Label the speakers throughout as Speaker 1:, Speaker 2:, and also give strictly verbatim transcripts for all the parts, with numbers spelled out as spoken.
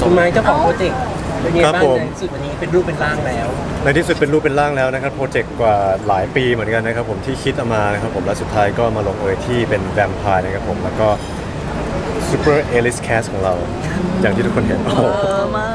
Speaker 1: คุณไม้เจ้าของโปรเจกต์เป็นไง
Speaker 2: ครับ
Speaker 1: บ้าง
Speaker 2: ผม
Speaker 1: ในที่สุดวันนี้เป็นรูปเป็นร่างแล้ว
Speaker 2: ในที่สุดเป็นรูปเป็นร่างแล้วนะครับโปรเจกต์กว่าหลายปีเหมือนกันนะครับผมที่คิดเอามานะครับผมและสุดท้ายก็มาลงเอยที่เป็นแวมไพร์นะครับผมแล้วก็ซูเปอร์เอลิสแคสของเรา อย่างที่ทุกคนเห็นโอ้โห
Speaker 3: เออมาก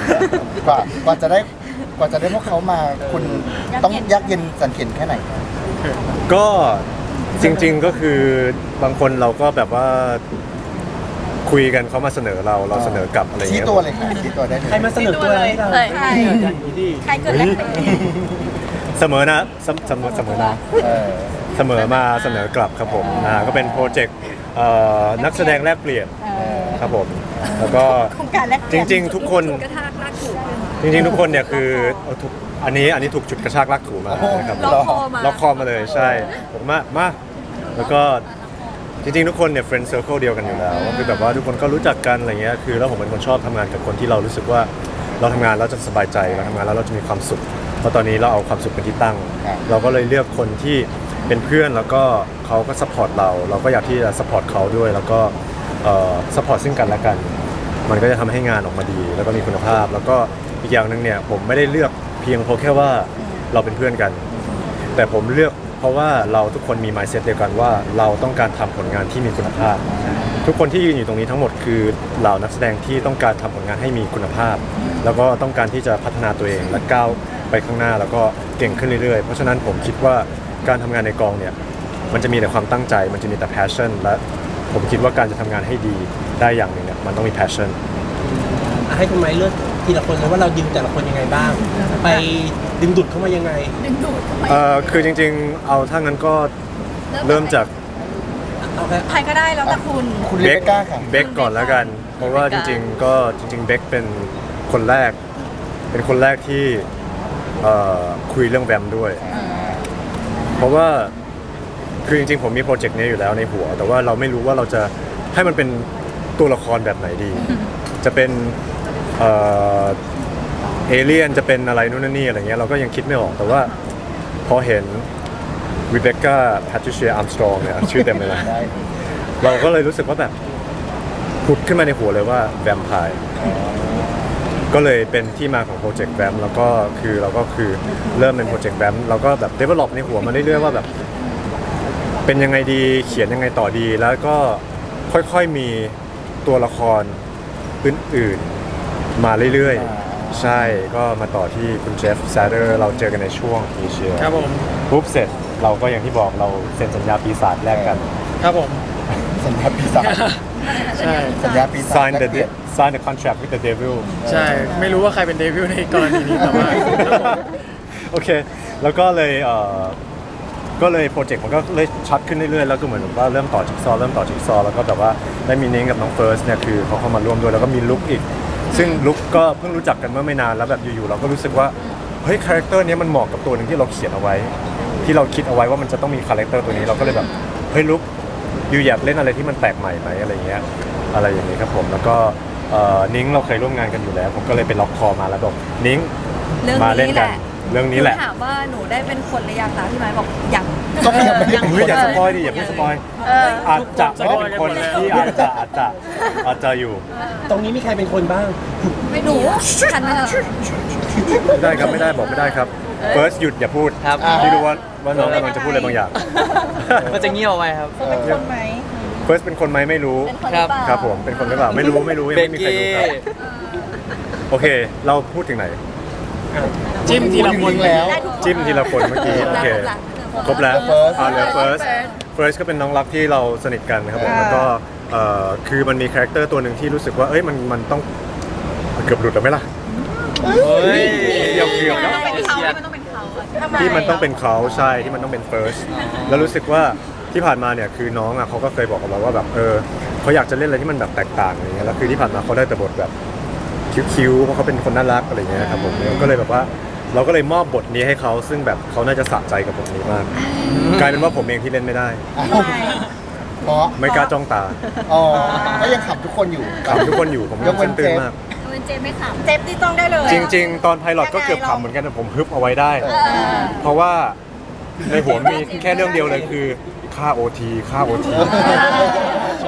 Speaker 4: ว่ากว่าจะได้กว่าจะได้พวกเขามาคุณต้องยากเย็นสันเข็ญแค่ไหน
Speaker 2: ก็จริงๆก็คือบางคนเราก็แบบว่าคุยกันเขามาเสนอเราเราเสนอกลับอะไรอย่าง
Speaker 4: ชี้
Speaker 2: เงี้ย
Speaker 4: ตัวเลยค่ะชี้ตัวได้เลย
Speaker 1: ใครมาเสนอตัวให้เรา
Speaker 3: ใช่
Speaker 1: ใครดี
Speaker 3: ใครเกิดอะไรขึ้น
Speaker 2: เสมอนะเสมเสมอเสมอนะ
Speaker 4: เออ
Speaker 2: เสมอมาเสนอกลับครับผมอ่าก็เป็นโปรเจกต์เอ่อนักแสดงแลกเปลี่ยนครับผมแล้วก็
Speaker 3: โครงการแรก
Speaker 2: จริงๆ ทุกคน
Speaker 3: กระทากลากถูก
Speaker 2: จริงๆ ทุกคนเนี่ยคือเอาทุกอันนี้อันนี้ถูกจุดกระชากลากถูมานะครับ
Speaker 3: ล็อกคอมา
Speaker 2: ล็อกคอมาเลยใช่ผมมามาแล้วก็จริงๆ ทุกคนเนี่ยเฟรนด์เซอร์เคิลเดียวกันอยู่แล้วก็คือแบบว่าทุกคนก็รู้จักกันอะไรเงี้ยคือแล้วผมเป็นคนชอบทำงานกับคนที่เรารู้สึกว่าเราทำงานแล้วจะสบายใจเราทำงานแล้วเราจะมีความสุขเพราะตอนนี้เราเอาความสุขเป็นที่ตั้ง เราก็เลยเลือกคนที่เป็นเพื่อนแล้วก็เขาก็ซัพพอร์ตเรา เราก็อยากที่จะซัพพอร์ตเขาด้วย แล้วก็ซัพพอร์ตซึ่งกันและกัน มันก็จะทำให้งานออกมาดี แล้วก็มีคุณภาพ แล้วก็อีกอย่างหนึ่งเนี่ยผมไม่ได้เลือกเพียงเพราะแค่ว่าเราเป็นเพื่อนกัน แต่ผมเลือกเพราะว่าเราทุกคนมี mindset เดียวกันว่าเราต้องการทำผลงานที่มีคุณภาพ ทุกคนที่ยืนอยู่ตรงนี้ทั้งหมดคือเหล่านักแสดงที่ต้องการทำผลงานให้มีคุณภาพ แล้วก็ต้องการที่จะพัฒนาตัวเองและก้าวไปข้างหน้าแล้วก็เก่งขึ้นเรื่อยๆ เพราะฉะนั้นผมคิดว่าการทำงานในกองเนี่ยมันจะมีแต่ความตั้งใจ มันจะมีแต่ passion และผมคิดว่าการจะทำงานให้ดีได้อย่างหนึ่งเนี่ยมันต้องมี passion
Speaker 1: ให้คุณไม้เลือกทีละคนเลยว่าเราดึงแต่ละคนยังไงบ้าง ไปดึงดูดเข้ามายังไง
Speaker 3: ดึงดูด
Speaker 2: เอ่อคือจริงๆเอาถ้างั้นก็เริ่มจาก
Speaker 1: เอาแค่
Speaker 3: ใครก็ได้แล้วแต่คุณ
Speaker 4: คุณเลเบก้าค่ะ
Speaker 2: เบคก่อนแล้วกัน เพราะว่าจริงๆก็จริงๆเบคเป็นคนแรก เป็นคนแรกที่เอ่อคุยเรื่องแวมด้วย เพราะว่าคือจริงๆผมมีโปรเจกต์นี้อยู่แล้วในหัว แต่ว่าเราไม่รู้ว่าเราจะให้มันเป็นตัวละครแบบไหนดี จะเป็นเอ่อเอเลี่ยนจะเป็นอะไรนู่นนนนี่อะไรเงี้ยเราก็ยังคิดไม่ออกแต่ว่าพอเห็นรีเบคก้าแพทริเชียอาร์มสตรองเนี่ยชื่อเต็มเลยนะ
Speaker 4: ได้
Speaker 2: เราก็เลยรู้สึกว่าแบบผุดขึ้นมาในหัวเลยว่าแวมไพร์ก็เลยเป็นที่มาของโปรเจกต์แวมแล้วก็คือเราก็คือเริ่มเป็นโปรเจกต์แวมเราก็แบบ develop ในหัวมาเรื่อยๆว่าแบบเป็นยังไงดีเขียนยังไงต่อดี แล้วก็ค่อยๆมีตัวละครอื่นๆมาเรื่อยๆใช่ก็มาต่อที่คุณเจฟซาเดอร์เราเจอกันในช่วงปีเชีย
Speaker 5: ครับผม
Speaker 2: ปุ๊บเสร็จเราก็อย่างที่บอกเราเซ็นสัญญาปีศาจแรกกัน
Speaker 5: ครับผม
Speaker 4: สัญญาปีศาจ
Speaker 5: ใช่
Speaker 4: สัญญาปีศาจ
Speaker 2: sign
Speaker 4: แล
Speaker 2: the
Speaker 4: กเปลี่ยน
Speaker 2: sign the contract with the devil
Speaker 5: ใช่ ไม่รู้ว่าใครเป็นเดวิลในกรณีนี้แต่ว่าครับผม
Speaker 2: โอเค แล้วก็เลยเอ่อก็เลยโปรเจกต์มันก็เลยชัดขึ้นเรื่อยๆ แล้วก็เหมือนแบบว่าเริ่มต่อจิ๊กซอว์เริ่มต่อจิ๊กซอว์แล้วก็แบบว่าได้มีนิ้งกับน้องเฟิร์สเนี่ยคือเขาเข้ามาร่วมด้วยแล้วก็มีลุคอีก ซึ่งลุคก็เพิ่งรู้จักกันเมื่อไม่นานแล้วแบบอยู่ๆเราก็รู้สึกว่าเฮ้ยคาแรคเตอร์นี้มันเหมาะกับตัวหนึ่งที่เราเขียนเอาไว้ ที่เราคิดเอาไว้ว่ามันจะต้องมีคาแรคเตอร์ตัวนี้เราก็เลยแบบเฮ้ยลุคอยู่อยากเล่นอะไรที่มันแปลกใหม่ไหมอะไรเงี้ยอะไรอย่างนี้ครับผมแล้วก็เอ่อนิ้งเราเคยร่วมงานกันอยู่แล้ว ผมก็เลยไปล็อกคอมาแล้วบอกนิ้ง
Speaker 3: เรื่อง
Speaker 2: มาเล่น
Speaker 3: นี้แห
Speaker 2: กัน
Speaker 3: ละ
Speaker 2: เรื่องนี้แหละ
Speaker 3: นูถามว่าหนูได้เป็นคนหรือยังนะพี่ไม้บอกยัง
Speaker 4: ก็ยังไม่ได้เป็น
Speaker 2: เฮ้ยอย่าสปอย
Speaker 4: คน
Speaker 2: ดิอย่าเพิ่งสปอย
Speaker 3: เออ
Speaker 2: อาจจะไม่ได้เป็นคนที่อาจจะอาจจะอาจจะอยู่
Speaker 1: ตรงนี้มีใครเป็นคนบ้าง
Speaker 3: ไม่หนูฉันนะ
Speaker 2: ไม่ได้ครับไม่ได้บอกไม่ได้ครับ first หยุดอย่าพูด
Speaker 5: ครับ
Speaker 2: พี่รู้ว่าว่าน้องกำลังจะพูดอะไรบางอย่าง
Speaker 5: มันจะเงียบเอาไว้ครับ
Speaker 3: เป็นคนไหม
Speaker 2: first เป็นคนไหมไม่รู้
Speaker 3: เป็นคนห
Speaker 5: ครั
Speaker 3: รือบ เปล่า
Speaker 2: ครับผมเป็นคนหรือเปล่าไม่รู้ไม่รู้ยัง
Speaker 5: เบ
Speaker 2: ไม่
Speaker 5: ก
Speaker 2: มีใคร
Speaker 5: กี้
Speaker 2: รู้ครับโอเค เราพูดถึงไหน
Speaker 5: จิ้มทีละคน
Speaker 4: แล้ว
Speaker 3: ได้ทุกคน
Speaker 2: จิ้มทีละคนเมื่อกี้โอเคครบแล้ว
Speaker 4: First
Speaker 2: อ่าเหลือ first first ก็เป็นน้องรักที่เราสนิทกันครับผมแล้วก็เอ่อคือมันมีคาแรคเตอร์ตัวหนึ่งที่รู้สึกว่าเอ้ยมันมันต้องเกือบหลุดแล้วไหมล่ะ
Speaker 5: เฮ้ย
Speaker 2: เกี่ยวเกี่ยวนะ
Speaker 3: เป็นเขาไม่ต้องเป็นเขาทำไม
Speaker 2: ที่มันต้องเป็นเขาใช่ที่มันต้องเป็น first แล้วรู้สึกว่าที่ผ่านมาเนี่ยคือน้องอ่ะเขาก็เคยบอกกับเราว่าแบบเออเขาอยากจะเล่นอะไรที่มันแบบแตกต่างอะไรเงี้ยแล้วคือที่ผ่านมาเขาได้แต่บทแบบคิ้วๆเพราะเขาเป็นคนน่ารักอะไรเงี้ยครับผมก็เลยแบบว่าเราก็เลยมอบบทนี้ให้เขาซึ่งแบบเขาน่าจะสะใจกับบทนี้มาก กลายเป็นว่าผมเองที่เล่นไม่ได้
Speaker 4: เพราะ
Speaker 2: ไม่กล้าจ้องตา
Speaker 4: อ๋อก็ยังขับทุกคนอยู่
Speaker 2: ขำทุกคนอยู่ผม
Speaker 4: ยกเว้น
Speaker 2: ตื่น
Speaker 4: เจฟ
Speaker 2: มาก
Speaker 3: เป็นเจมไม่ขำเจฟที่ต้องได้เลย
Speaker 2: จริง ๆ ตอนไพลอตก็เกือบขำเหมือนกันแต่ผมฮึบเอาไว้ได้ เพราะว่าในหัวมีแค่เรื่องเดียวเลยคือค่า โอ ที ค่า โอ ที ผ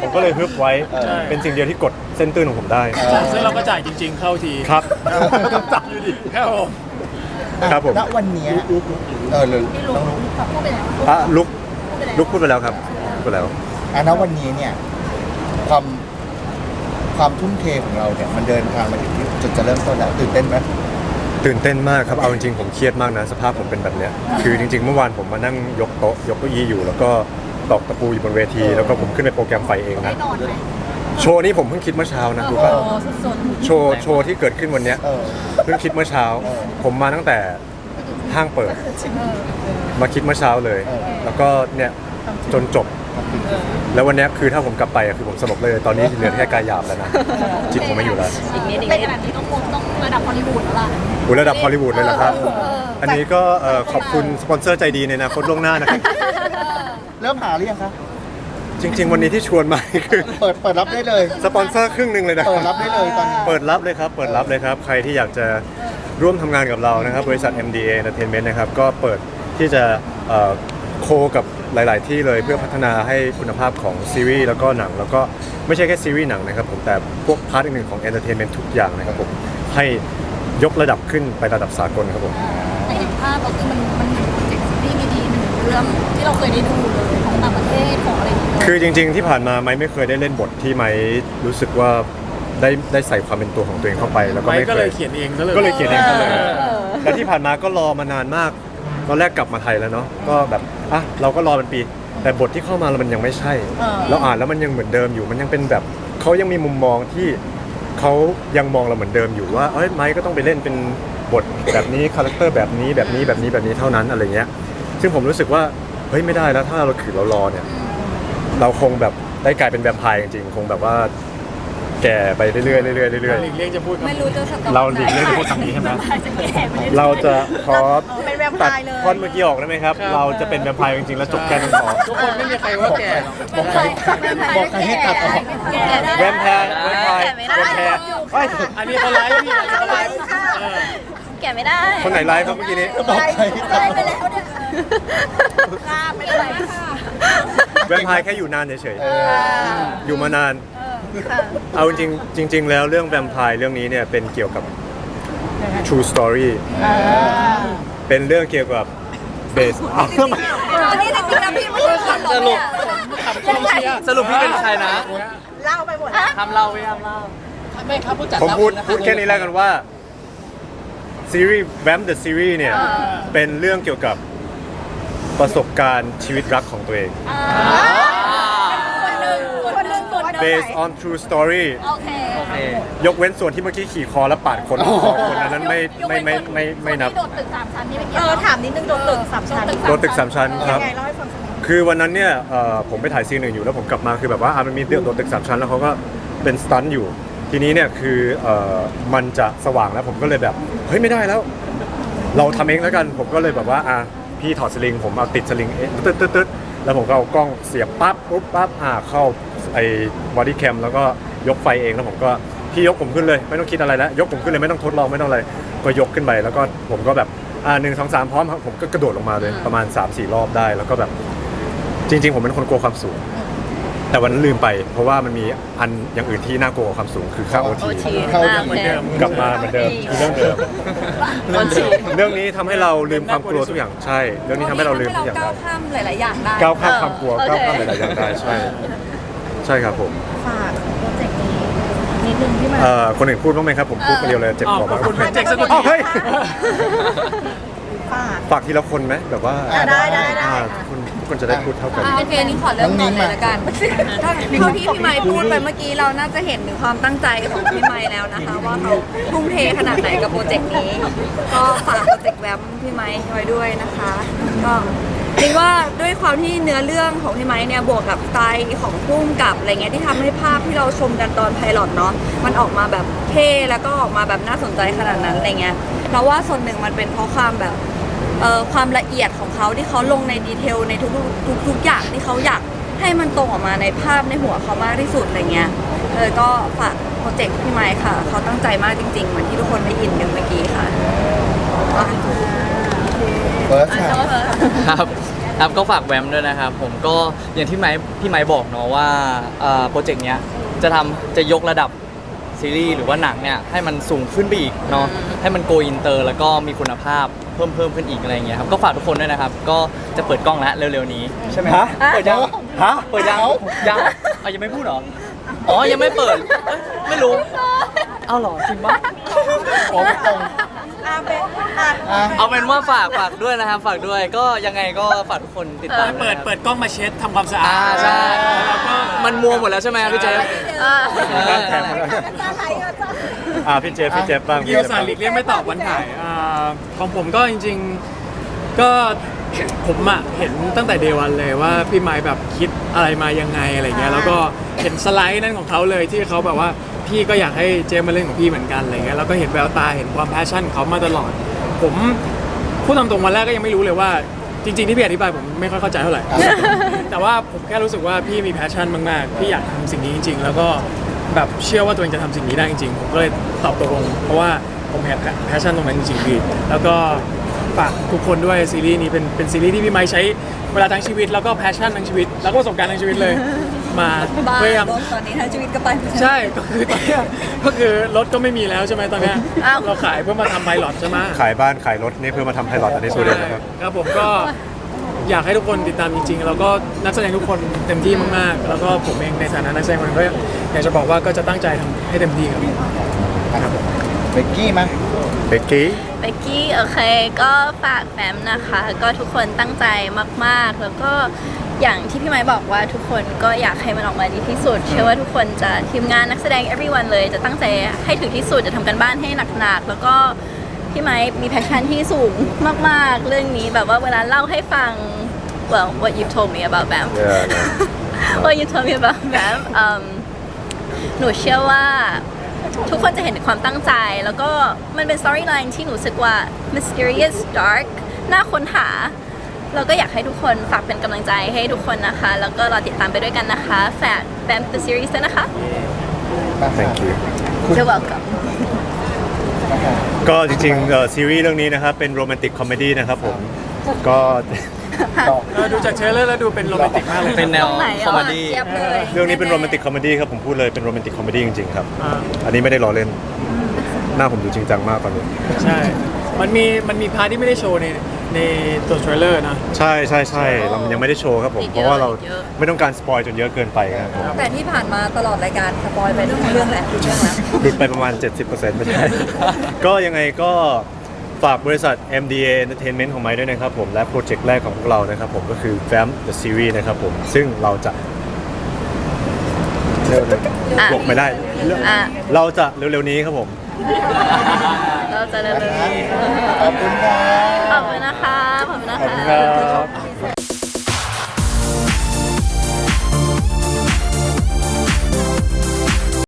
Speaker 2: ผมก็เลยฮึบไว้
Speaker 4: เออ
Speaker 2: เป็นสิ่งเดียวที่กดเส้นตื้นของผมได้
Speaker 5: ซึ่งเราก็จ่ายจริง ๆ เข้าที
Speaker 2: ครับ
Speaker 5: ต้องจ่ายอยู่ดีครับผม
Speaker 2: ครับผม
Speaker 4: ณวันเนี้ยเออเลยต้องรู้
Speaker 3: พูดไปแล้ว
Speaker 2: อ่ะลุกลุกพูดไปแล้วครับพูดไปแล้ว
Speaker 4: อ่ะณวันนี้เนี่ยความความทุ่มเทของเราเนี่ยมันเดินทางมาถึงที่จุดจะเริ่มต้นแล้วตื่นเต้นไหม
Speaker 2: ตื่นเต้นมากครับ เอาจริงๆผมเครียดมากนะสภาพผมเป็นแบบเนี้ยคือจริงๆเมื่อวานผมมานั่งยกโต๊ะยกเก้าอี้อยู่ แล้วก็ตอกตะปูอยู่บนเวที แล้วก็ผมขึ้นไปโปรแกรมไฟเองนะ
Speaker 3: นอนไหม
Speaker 2: โชว์นี้ผมเพิ่งคิดเมื่อเช้านะรู้ป่ะโชว์โชว์ที่เกิดขึ้นวันเนี้ย
Speaker 4: เออ
Speaker 2: เพิ่งคิดเมื่อเช้า ผมมาตั้งแต่ห้างเปิด มาคิดเมื่อเช้าเลย
Speaker 4: เออ
Speaker 2: แล้วก็เนี่ยจนจบ แล้ววันเนี้ยคือถ้าผมกลับไปอะคือผมสลบเลย ตอนนี้เหลือแค่กายหยาบแล้วนะ จิตผมไม่อยู่แล้ว
Speaker 3: อีกนิดเป็นแบบนี้ต้องคงต้องระดับฮอลลีวูดแล้วล่ะ
Speaker 2: อุยระดับฮอลลีวูดเลยเหรอครับ อันนี้ก็เอ่อขอบคุณสปอนเซอร์ใจดีในอนาคตล่วงหน้านะครับ
Speaker 4: เริ่มหาหรือยังคะ
Speaker 2: จริง ๆ วันนี้ที่ชวนมา คือ
Speaker 4: เปิดเปิดรับได้เลย
Speaker 2: สปอนเซอร์ครึ่งหนึ่งเลยนะ
Speaker 4: เปิดรับได้เลยตอนนี้
Speaker 2: เปิดรับเลยครับ เปิดรับเลยครับ ใครที่อยากจะร่วมทำงานกับเรานะครับ บริษัท เอ็ม ดี เอ Entertainment นะครับ ก็เปิดที่จะเอ่อโคกับหลาย ๆ ที่เลยเพื่อพัฒนาให้คุณภาพของซีรีส์แล้วก็หนัง แล้วก็ไม่ใช่แค่ซีรีส์หนังนะครับผมแต่พวกพาร์ทอื่นๆของ Entertainment ทุกอย่างนะครับผมให้ยกระดับขึ้นไประดับสากลครับผม
Speaker 3: แต่เห็นภาพเราคือมันมันเหมือนโปรเจกต์ซีรีส์ดีๆหนึ่งเรื่องที่เราเคยได้ดูเลยของต่างประเทศของอะไรอย่างเงี้ย
Speaker 2: คือจริง ๆ ที่ผ่านมาไม้ไม่เคยได้เล่นบทที่ไม้รู้สึกว่าได้ได้ใส่ความเป็นตัวของตัวเองเข้าไป แล้วก็
Speaker 5: ไม้
Speaker 2: ไม่
Speaker 5: ก็
Speaker 2: เค
Speaker 5: เลย ยเขียนเองซะเลย
Speaker 2: ก็เลยเขียนเองซะเลยและที่ผ่านมาก็รอมานานมากตอนแรกกลับมาไทยแล้วเนาะก็แบบอ่ะเราก็รอเป็นปี แต่บทที่เข้ามาแล้วมันยังไม่ใช่เราอ่านแล้วมันยังเหมือนเดิมอยู่ มันยังเป็นแบบเขายังมีมุมมองที่เขายังมองเราเหมือนเดิมอยู่ว่าเอ้ยไม้ก็ต้องไปเล่นเป็นบทแบบนี้คาแรคเตอร์แบบนี้แบบนี้แบบนี้แบบนี้เท่านั้นอะไรเงี้ยซึ่งผมรู้สึกว่าเฮ้ยไม่ได้แล้วถ้าเราขืนเรารอเนี่ย เราคงแบบได้กลายเป็นแวมไพร์จริงๆ คงแบบว่าแก่ไปเรื่อยๆเรื่อยๆเรื่อย
Speaker 5: หลีกเลี่ยงจะพูดคำ
Speaker 3: ไม่รู้จะสต็อป
Speaker 2: ๆ เราหลีกเลี่ยงพูดคำนี้ใช่ไหม
Speaker 3: จะแก่ไปเรื่อย
Speaker 2: เราจะขอ
Speaker 3: เป็นแวมไพ
Speaker 2: ตัด
Speaker 3: ร์เลย
Speaker 2: ท่อนเมื่อกี้ออกได้ไหมครับ เราจะเป็นแวมไพร์จริงๆ แล้วจบแค่นั้นพอ
Speaker 5: ทุกคนไม่มีใครว่าแก่หรอก
Speaker 4: บอกใครบอกใครให้ตัดออก
Speaker 3: แก่ได้
Speaker 2: แวมไพร์แวมไพร์แวมไพร์เฮ้ย
Speaker 5: อันนี้เขาไลฟ์พี่อันนี้เขาไลฟ์เออ
Speaker 3: แก่ไม่ได้
Speaker 2: คนไหนไลฟ์ครับเมื่อกี้นี้
Speaker 4: บอกใครให้ตัด
Speaker 3: ได้
Speaker 4: อ
Speaker 3: ไป
Speaker 4: อก
Speaker 3: แล้วเนี่ยข้ามไปเลยค่ะ
Speaker 2: แวมไพร์แค่อยู่นานเฉย
Speaker 4: เออ
Speaker 2: ๆ อยู่มานาน เอาจริงๆจริง ๆ แล้วเรื่องแวมไพร์เรื่องนี้เนี่ยเป็นเกี่ยวกับ true story เป็นเรื่องเกี่ยวกับ base
Speaker 3: อันนี้จริงๆนะพี่ไม่ใช่ขับสรุป
Speaker 5: ขับกองเชียร์
Speaker 6: สรุปพี่เป็นใครนะ
Speaker 3: เล่าไปหมด
Speaker 6: ทำเราไม่ทำเรา
Speaker 5: ไม่ครับผู้จัด
Speaker 2: ผมพูดพูดแค่นี้แล้วกันว่าซีรีส์แวมเดอะซีรีส์เนี่ยเป็นเรื่องเกี่ยวกับประสบการณ์ชีวิตรักของตัวเอง
Speaker 3: คนหนึ่งคนหนึ่งคนหนึ่ง
Speaker 2: based on true story
Speaker 3: โอเค
Speaker 6: โอเค
Speaker 2: ยกเว้นส่วนที่เมื่อกี้ขี่คอแล้วปาดคนสองคนอันนั้นไม่ไม่ไม่ไม่ไม่นับ
Speaker 3: โดดตึกสามชั้นนี่ไม่เกี่ยวเออถามนิดนึงโดดตึกสามชั้น
Speaker 2: โดนตึกสามชั้นครับ
Speaker 3: ยังไงเล่าให้ฟังสักนิด
Speaker 2: คือวันนั้นเนี่ยเอ่อผมไปถ่ายซีนหนึ่งอยู่แล้วผมกลับมาคือแบบว่าอ่ะมันมีเรื่องโดนตึกสามชั้นแล้วเขาก็เป็นสตันท์อยู่ ทีนี้เนี่ยคือเอ่อมันจะสว่างแล้วผมก็เลยแบบเฮ้ยไม่ได้แล้ว เราทำเองแล้วกันผมก็เลยแบบว่าอ่ะพี่ถอดสลิงผมเอาติดสลิงเอ๊ะตึ๊ดตึ๊ดตึ๊ดแล้วผมก็เอากล้องเสียบปั๊บปุ๊บปั๊บอ่ะเข้าไอ้บอดี้แคมแล้วก็ยกไฟเองแล้วผมก็พี่ยกผมขึ้นเลยไม่ต้องคิดอะไรแล้วยกผมขึ้นเลยไม่ต้องทดลองไม่ต้องอะไรก็ยกขึ้นไปแล้วก็ผมก็แบบอ่าหนึ่งสองสามพร้อมครับผมก็กระโดดลงมาเลยประมาณ สามสี่ รอบได้แล้วก็แบบจริง ๆ ผมเป็นคนกลัวความสูง แต่วันนั้นลืมไป เพราะว่ามันมีอันอย่างอื่นที่น่ากลัวกว่าความสูงคือค่าโอที
Speaker 4: เข้า
Speaker 5: เหมือนเดิม
Speaker 2: กลับมาเหมือนเดิมคือเรื่องเดิม เรื่องนี้ทำให้เราลืมความกลัวทุกอย่างใช่ เรื่องนี้ทำให้เราลืมทุกอย่าง
Speaker 3: ก้า
Speaker 2: ได้
Speaker 3: วข้ามหลายๆอย่างได้
Speaker 2: ก้าวข้ามความกลัวก้าวข้ามหลายๆอย่างได้ใช่ ใช่ครับผม
Speaker 3: ฝากโปรเจกต์นี้นิดนึงที่มัน
Speaker 2: เอ่อคนอื่นพูดบ้างไหมครับผมพูดคนเดียวเลยเจ็บ
Speaker 5: อ๋อ
Speaker 2: คอ
Speaker 5: ขอบ
Speaker 2: มาก
Speaker 5: คุณเป็นเจ็กสัก
Speaker 2: อ้าว
Speaker 5: ที
Speaker 2: เฮ้ย
Speaker 3: ฝาก
Speaker 2: ฝากทีละคนไหมแบบว่า
Speaker 3: อ่ะได้ได้ได้
Speaker 2: อ่าทุกคนทุกคนจะได้พูดเท่ากัน
Speaker 3: โอเคนี่ขอเริ่มก่อนเลยละกันเท่าที่พี่ไมค์พูดไปเมื่อกี้เราน่าจะเห็นถึงความตั้งใจของพี่ไมค์แล้วนะคะ ว่าเขาทุ่มเทขนาดไหนกับโปรเจกต์นี้ ก็ฝากโปรเจกต์แวมพี่ไมค์ไว้ด้วยนะคะ ก็คิดว่าด้วยความที่เนื้อเรื่องของพี่ไมค์เนี่ยบวกกับสไตล์ของพุ่มกับอะไรเงี้ยที่ทำให้ภาพที่เราชมกันตอนไพลอตเนาะมันออกมาแบบเท่แล้วก็ออกมาแบบน่าสนใจขนาดนั้นอะไรเงี้ยเราว่าส่วนหนึ่งมันเป็นเพราะความแบบ เอ่อความละเอียดของเขาที่เขาลงในดีเทลในทุกทุกทุกอย่างที่เขาอยากให้มันตรงออกมาในภาพในหัวเขามากที่สุดอะไรเงี้ยเออก็ฝากโปรเจกต์พี่ไมค์ค่ะ เขาตั้งใจมากจริงๆเหมือนที่ทุกคนได้ยินกันเมื่อกี้ค่ะ
Speaker 4: เฟิร์สค่ะ
Speaker 6: ครับครับก็ฝากแวมด้วยนะครับผมก็อย่างที่ไม้พี่ไม้บอกเนาะว่าเอ่อโปรเจกต์เนี้ยจะทำจะยกระดับซีรีส์หรือว่าหนังเนี่ยให้มันสูงขึ้นไปอีกเนาะให้มันโกอินเตอร์แล้วก็มีคุณภาพเพิ่มเพิ่มขึ้นอีกอะไรอย่างเงี้ยครับก็ฝากทุกคนด้วยนะครับก็จะเปิดกล้องแล้วเร็วๆนี้ใช่ไหมฮะเปิดยังฮะเปิดยังยังเอายังไม่พูดเหรออ๋อยังไม่เปิดเอ้ยไม่รู้เอาเหรอจริงปะ
Speaker 4: โอ้ไม่ตรง
Speaker 3: อาเป็นอ่ะ
Speaker 4: อ่ะ
Speaker 6: เอาเป็นว่าฝากฝากด้วยนะครับฝากด้วยก็ยังไงก็ฝากทุกคนติดตาม
Speaker 5: เปิด
Speaker 6: นะครับ
Speaker 5: เปิดกล้องมาเช็ดทำความสะอาด
Speaker 6: อ่าใช่
Speaker 5: แล้วก็
Speaker 6: มันมัวหมดแล้วใช่ไหมพี่เจฟ
Speaker 3: อ่ะ
Speaker 6: เออ
Speaker 2: แถมมาแล้วอ่าพี่เจฟพี่เจฟบ้าง
Speaker 5: เกียวสารหลีกเลี่ยงไม่ตอบวันถ่ายอ่าของผมก็จริงๆก็ผมอะเห็นตั้งแต่เดวันเลยว่าพี่ไม้แบบคิดอะไรมายังไงอะไรเงี้ยแล้วก็เห็นสไลด์นั่นของเขาเลยที่เขาแบบว่าพี่ก็อยากให้เจมมาเล่นของพี่เหมือนกันอะไรเงี้ยแล้วก็เห็นแววตาเห็นความแพชชั่นของเขามาตลอด ผมพูดตามตรงวันแรกก็ยังไม่รู้เลยว่าจริงๆที่พี่อธิบายผมไม่ค่อยเข้าใจเท่าไหร่ แต่ว่าผมแค่รู้สึกว่าพี่มีแพชชั่นมากๆพี่อยากทำสิ่งนี้จริง ๆ แล้วก็แบบเชื่อว่าตัวเองจะทำสิ่งนี้ได้จริงๆผมก็เลยตอบตกลงเพราะว่าผมเห็นแพชชั่นตรงนั้นจริงๆพี่แล้วก็ฝากทุกคนด้วยซีรีส์นี้เป็นเป็นซีรีส์ที่พี่ไม้ใช้เวลาทั้งชีวิตแล้วก็แพชชั่นทั้งชีวิตแล้วก็ประสบการณ์ทั้งชีวิตเลยมา
Speaker 3: บ้า
Speaker 6: พยายาม
Speaker 3: ตอนนี้ทั้งชีวิตก็ไป
Speaker 5: ใช่ก็คือตอนเนี้ยก็คือรถก็ไม่มีแล้วใช่ไหมตอนเนี้ย
Speaker 3: อ้าว
Speaker 5: เราขายเพื่อมาทำไพลอตใช่ไหม
Speaker 2: ขายบ้านขายรถนี่เพื่อมาทำไพลอตอันนี้สุดเลยนะครับ
Speaker 5: ครับผมก็อยากให้ทุกคนติดตามจริงๆ แล้วก็นักแสดงทุกคนเต็มที่มากๆ แล้วก็ผมเองในฐานะนักแสดงคนหนึ่งก็อยากจะบอกว่าก็จะตั้งใจทำให้เต็มที่ครับ
Speaker 4: เบกกี้มา
Speaker 2: เบกกี้
Speaker 7: เบกกี้โอเคก็ฝากแฟมนะคะ ก็ทุกคนตั้งใจมากๆ แล้วก็อย่างที่พี่ไม้บอกว่าทุกคนก็อยากให้มันออกมาดีที่สุด เชื่อว่าทุกคนจะทีมงานนักแสดง everyone เลยจะตั้งใจให้ถึงที่สุดจะทำกันบ้านให้หนักๆ แล้วก็พี่ไม้มีแพชชั่นที่สูงมากๆ เรื่องนี้แบบว่าเวลาเล่าให้ฟัง well what you told me about Bam what you told me about Bam อืมหนูเชื่อว่าทุกคนจะเห็นถึงความตั้งใจ แล้วก็มันเป็น storyline ที่หนูรู้สึกว่า mysterious dark น่าค้นหา เราก็อยากให้ทุกคนฝากเป็นกำลังใจให้ทุกคนนะคะ แล้วก็รอติดตามไปด้วยกันนะคะ ฝาก Bam the series ด้วยนะคะ
Speaker 2: thank you
Speaker 7: You're welcome
Speaker 2: ก็จริงๆเอ่อซีรีส์เรื่องนี้นะครับเป็นโรแมนติกคอมเมดี้นะครับผมก็
Speaker 5: เออดูจากเทรลเลอร์แล้วดูเป็นโรแมนติกมากเลย
Speaker 6: เป็นแนว
Speaker 3: ตรงไหน
Speaker 6: คอม
Speaker 3: อ่ะ
Speaker 6: เมดี้
Speaker 3: เจี๊ยบเลย
Speaker 2: เรื่องนี้เป็นโรแมนติกคอมเมดี้ครับผมพูดเลยเป็นโรแมนติกคอมเมดี้จริงๆครับ
Speaker 5: อ่า
Speaker 2: อันนี้ไม่ได้ล้อเล่นหน้าผมดูจริงจังมากตอนนี้
Speaker 5: ใช่ มันมีมันมีพาร์ทที่ไม่ได้โชว์ในในตัวเทรลเลอร์นะ
Speaker 2: ใช่ใช่ใช่เรายังไม่ได้โชว์ครับผม
Speaker 7: อีก
Speaker 2: เพ
Speaker 7: เยอะ
Speaker 2: ราะว่าเรา
Speaker 7: อีกเยอะ
Speaker 2: ไม่ต้องการสปอยจนเยอะเกินไปครับผม
Speaker 3: แต่ที่ผ่านมาตลอดรายการสปอยไปทุกเรื่องแหละทุกเรื่องแล้ว
Speaker 2: หลุดไปประมาณ เจ็ดสิบเปอร์เซ็นต์ ไม่ใช่ ก็ยังไงก็ฝากบริษัท เอ็ม ดี เอ Entertainment ของไม้ด้วยนะครับผมและโปรเจกต์แรกของพวกเรานะครับผมก็คือ Fam the Series นะครับผมซึ่งเราจะเร็วเลย
Speaker 7: อ่ะ
Speaker 2: บอกไม่ได้
Speaker 7: อ่ะ
Speaker 2: เราจะเร็วๆนี้ครับผม
Speaker 7: เราจะเริ่ม
Speaker 4: ขอบคุณครับ
Speaker 7: ขอบคุณนะคะ ขอบคุณนะ
Speaker 2: ขอบ
Speaker 7: คะ
Speaker 2: คุณครับ